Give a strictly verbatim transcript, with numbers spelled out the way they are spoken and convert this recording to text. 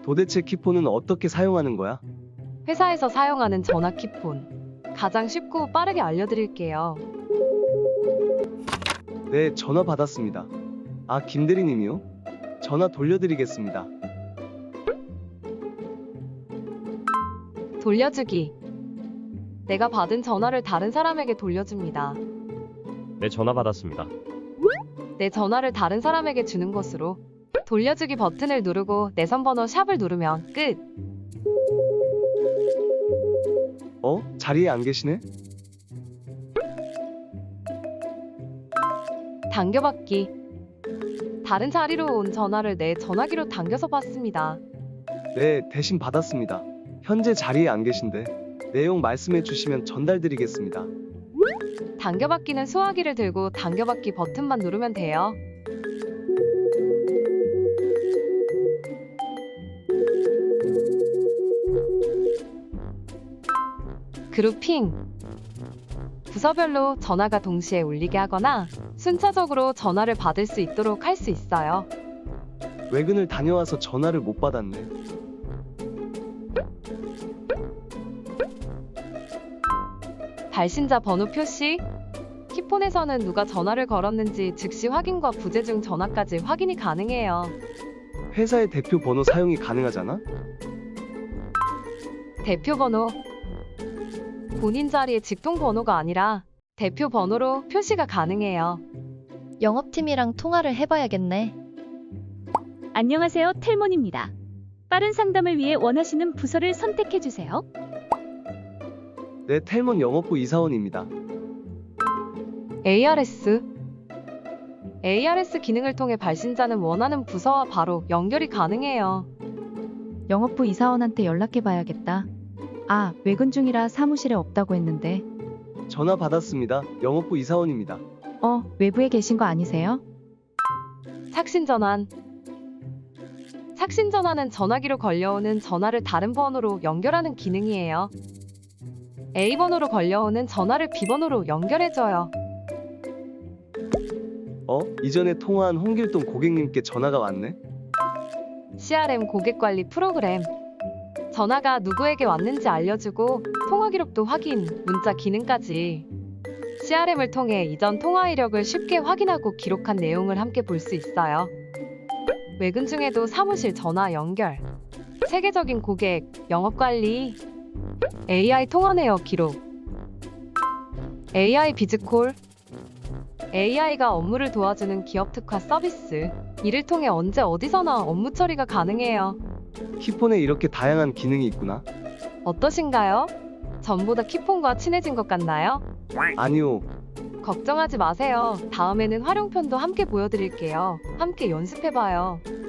도대체 키폰은 어떻게 사용하는 거야? 회사에서 사용하는 전화 키폰. 가장 쉽고 빠르게 알려드릴게요. 네, 전화 받았습니다. 아, 김대리님이요? 전화 돌려드리겠습니다. 돌려주기. 내가 받은 전화를 다른 사람에게 돌려줍니다. 네, 전화 받았습니다. 내 전화를 다른 사람에게 주는 것으로. 돌려주기 버튼을 누르고 내선 번호 샵을 누르면 끝. 어? 자리에 안 계시네? 당겨받기. 다른 자리로 온 전화를 내 전화기로 당겨서 받습니다. 네, 대신 받았습니다. 현재 자리에 안 계신데 내용 말씀해 주시면 전달드리겠습니다. 당겨받기는 수화기를 들고 당겨받기 버튼만 누르면 돼요. 그룹핑. 부서별로 전화가 동시에 울리게 하거나 순차적으로 전화를 받을 수 있도록 할 수 있어요. 외근을 다녀와서 전화를 못 받았네. 발신자 번호 표시. 키폰에서는 누가 전화를 걸었는지 즉시 확인과 부재 중 전화까지 확인이 가능해요. 회사의 대표 번호 사용이 가능하잖아? 대표 번호. 본인 자리의 직통 번호가 아니라 대표 번호로 표시가 가능해요. 영업팀이랑 통화를 해봐야겠네. 안녕하세요, 텔몬입니다. 빠른 상담을 위해 원하시는 부서를 선택해주세요. 네, 텔몬 영업부 이사원입니다. 에이아르에스. 에이아르에스 기능을 통해 발신자는 원하는 부서와 바로 연결이 가능해요. 영업부 이사원한테 연락해봐야겠다. 아, 외근 중이라 사무실에 없다고 했는데. 전화 받았습니다. 영업부 이사원입니다. 어, 외부에 계신 거 아니세요? 착신전환. 착신전환은 전화기로 걸려오는 전화를 다른 번호로 연결하는 기능이에요. A 번호로 걸려오는 전화를 B 번호로 연결해줘요. 어? 이전에 통화한 홍길동 고객님께 전화가 왔네? 씨알엠 고객관리 프로그램. 전화가 누구에게 왔는지 알려주고 통화 기록도 확인, 문자 기능까지. 씨알엠을 통해 이전 통화 이력을 쉽게 확인하고 기록한 내용을 함께 볼 수 있어요. 외근 중에도 사무실 전화 연결, 세계적인 고객, 영업관리, 에이아이 통화 내역 기록, 에이아이 비즈콜. 에이아이가 업무를 도와주는 기업 특화 서비스. 이를 통해 언제 어디서나 업무 처리가 가능해요. 키폰에 이렇게 다양한 기능이 있구나. 어떠신가요? 전보다 키폰과 친해진 것 같나요? 아니요. 걱정하지 마세요. 다음에는 활용편도 함께 보여드릴게요. 함께 연습해봐요.